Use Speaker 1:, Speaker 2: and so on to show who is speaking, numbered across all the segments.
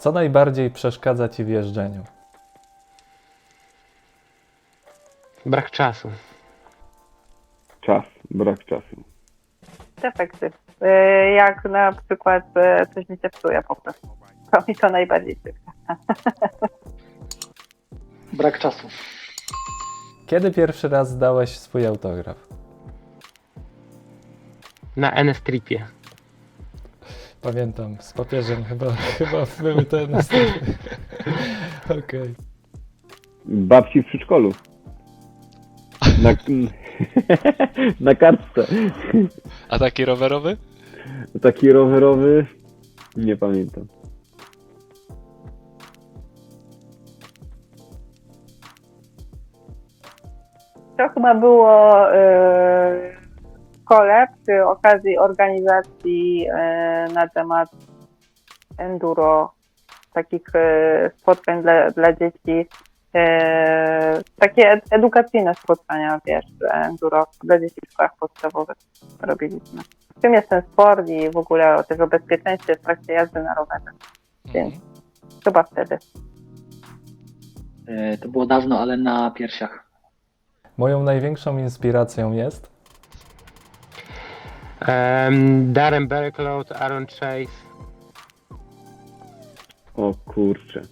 Speaker 1: Co najbardziej przeszkadza ci w jeżdżeniu?
Speaker 2: Brak czasu.
Speaker 3: Czas, brak czasu.
Speaker 4: Defekty. Jak na przykład coś mi się psuje po prostu. To mi to najbardziej przeszkadza.
Speaker 5: Brak czasu.
Speaker 1: Kiedy pierwszy raz zdałeś swój autograf?
Speaker 2: Na NS-tripie.
Speaker 1: Pamiętam, z papieżem chyba były te Okej.
Speaker 3: Babci w przedszkolu. Na, na kartce.
Speaker 6: A taki rowerowy?
Speaker 3: Taki rowerowy, nie pamiętam.
Speaker 4: To chyba było w szkole przy okazji organizacji na temat enduro, takich spotkań dla dzieci. Takie edukacyjne spotkania, wiesz, enduro dla dzieci w szkołach podstawowych robiliśmy. Czym jest ten sport i w ogóle też o bezpieczeństwie w trakcie jazdy na rowerze. Więc chyba wtedy.
Speaker 5: To było dawno, ale na piersiach.
Speaker 1: Moją największą inspiracją jest?
Speaker 2: Darren Berklow, Aaron Chase.
Speaker 3: O kurczę.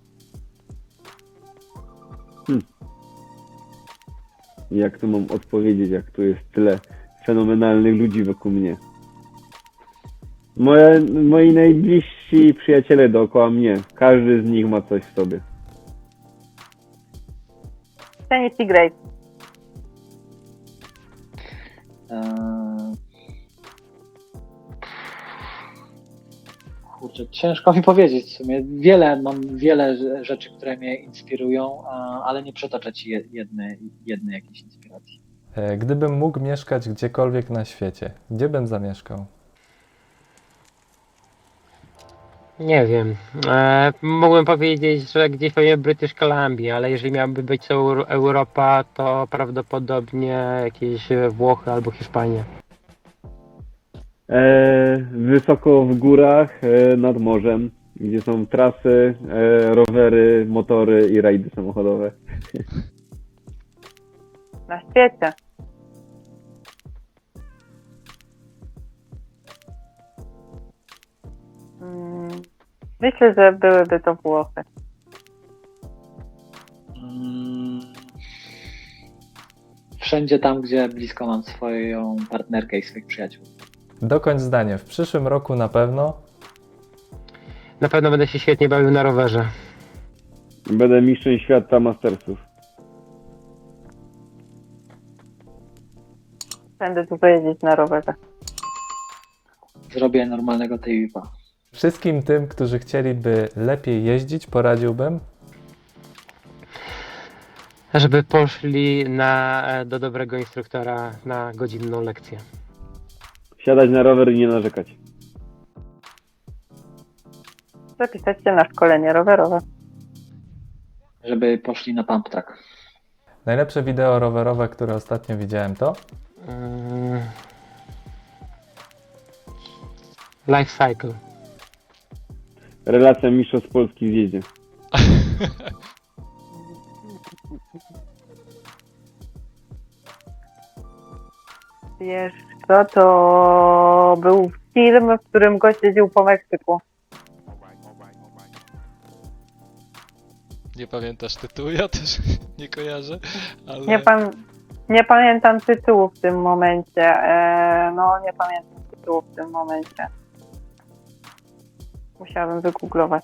Speaker 3: Jak to mam odpowiedzieć, jak tu jest tyle fenomenalnych ludzi wokół mnie? Moi najbliżsi przyjaciele dookoła mnie. Każdy z nich ma coś w sobie.
Speaker 4: Tennis i Grace.
Speaker 5: Kurczę, ciężko mi powiedzieć w sumie. Mam wiele rzeczy, które mnie inspirują, ale nie przytoczę ci jednej jakiejś inspiracji.
Speaker 1: Gdybym mógł mieszkać gdziekolwiek na świecie, gdzie bym zamieszkał?
Speaker 2: Nie wiem. Mógłbym powiedzieć, że gdzieś pewnie British Columbia, ale jeżeli miałaby być to Europa, to prawdopodobnie jakieś Włochy albo Hiszpania.
Speaker 3: Wysoko w górach, nad morzem, gdzie są trasy, rowery, motory i rajdy samochodowe.
Speaker 4: Na świecie. Myślę, że byłyby to Włochy.
Speaker 5: Wszędzie tam, gdzie blisko mam swoją partnerkę i swoich przyjaciół.
Speaker 1: Dokończ zdanie. W przyszłym roku na pewno.
Speaker 2: Na pewno będę się świetnie bawił na rowerze.
Speaker 3: Będę mistrzem świata Mastersów.
Speaker 4: Będę tu jeździć na rowerze.
Speaker 5: Zrobię normalnego TVP.
Speaker 1: Wszystkim tym, którzy chcieliby lepiej jeździć, poradziłbym.
Speaker 2: Żeby poszli do dobrego instruktora na godzinną lekcję.
Speaker 3: Siadać na rower i nie narzekać.
Speaker 4: Zapisać się na szkolenie rowerowe.
Speaker 5: Żeby poszli na pump track.
Speaker 1: Najlepsze wideo rowerowe, które ostatnio widziałem, to?
Speaker 2: Life Cycle.
Speaker 3: Relacja mistrzostw Polski w jeździe.
Speaker 4: Wiesz co, to był film, w którym gość jeździł po Meksyku.
Speaker 6: Nie pamiętasz tytułu? Ja też nie kojarzę, ale...
Speaker 4: Nie pamiętam tytułu w tym momencie. Nie pamiętam tytułu w tym momencie. Musiałabym wygooglować.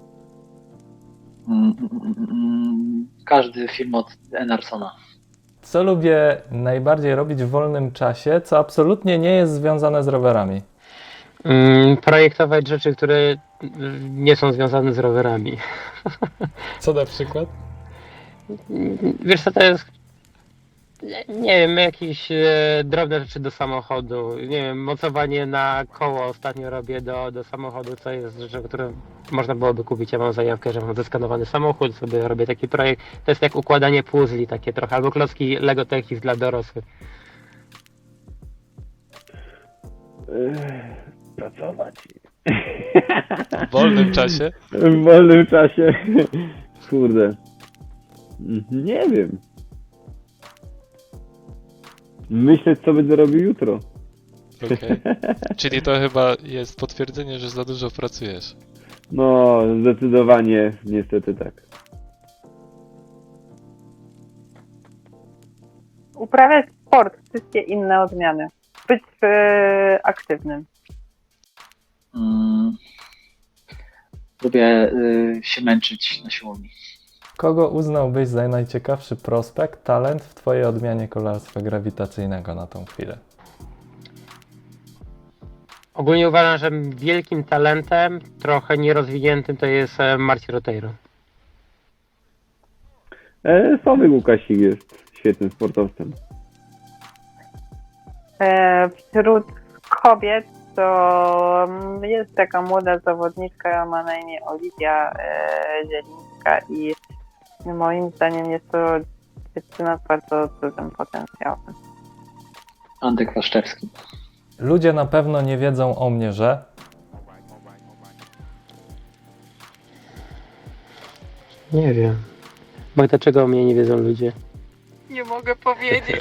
Speaker 5: Każdy film od Enarsona.
Speaker 1: Co lubię najbardziej robić w wolnym czasie, co absolutnie nie jest związane z rowerami?
Speaker 2: Projektować rzeczy, które nie są związane z rowerami.
Speaker 1: Co na przykład?
Speaker 2: Wiesz co to jest? Nie wiem, jakieś drobne rzeczy do samochodu. Nie wiem, mocowanie na koło ostatnio robię do samochodu, co jest rzeczą, którą można byłoby kupić. Ja mam zajawkę, że mam zeskanowany samochód, sobie robię taki projekt. To jest jak układanie puzli takie trochę, albo klocki Lego Technics dla dorosłych.
Speaker 3: Pracować.
Speaker 6: W wolnym czasie?
Speaker 3: W wolnym czasie. Kurde. Nie wiem. Myśleć, co będę robił jutro.
Speaker 6: Okej. Czyli to chyba jest potwierdzenie, że za dużo pracujesz.
Speaker 3: No, zdecydowanie, niestety tak.
Speaker 4: Uprawiać sport, wszystkie inne odmiany. Być aktywnym.
Speaker 5: Lubię się męczyć na siłowni.
Speaker 1: Kogo uznałbyś za najciekawszy prospekt, talent w twojej odmianie kolarstwa grawitacyjnego na tą chwilę?
Speaker 2: Ogólnie uważam, że wielkim talentem, trochę nierozwiniętym, to jest Marcin Roteiro.
Speaker 3: Sławek Łukasik jest świetnym sportowcem.
Speaker 4: Wśród kobiet to jest taka młoda zawodniczka, ma na imię Oliwia Zielińska i moim zdaniem jest to dziewczyna z bardzo dużym potencjałem.
Speaker 5: Antek Waszczewski.
Speaker 1: Ludzie na pewno nie wiedzą o mnie, że...
Speaker 2: Nie wiem. Bo dlaczego o mnie nie wiedzą ludzie?
Speaker 7: Nie mogę powiedzieć.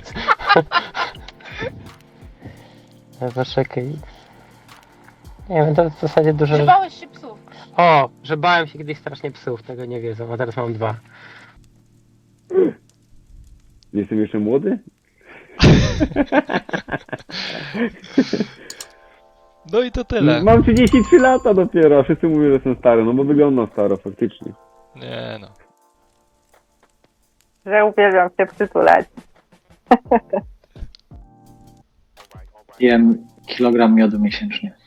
Speaker 2: Poczekaj. Nie wiem, to w zasadzie dużo...
Speaker 7: Czy bałeś się psów?
Speaker 2: O, że bałem się kiedyś strasznie psów, tego nie wiedzą, a teraz mam 2.
Speaker 3: Jestem jeszcze młody?
Speaker 6: No i to tyle.
Speaker 3: Mam 33 lata dopiero, a wszyscy mówią, że jestem stary, no bo wyglądam staro faktycznie.
Speaker 6: Nie no.
Speaker 4: Że uwielbiam się przytulać.
Speaker 5: Jem kilogram miodu miesięcznie.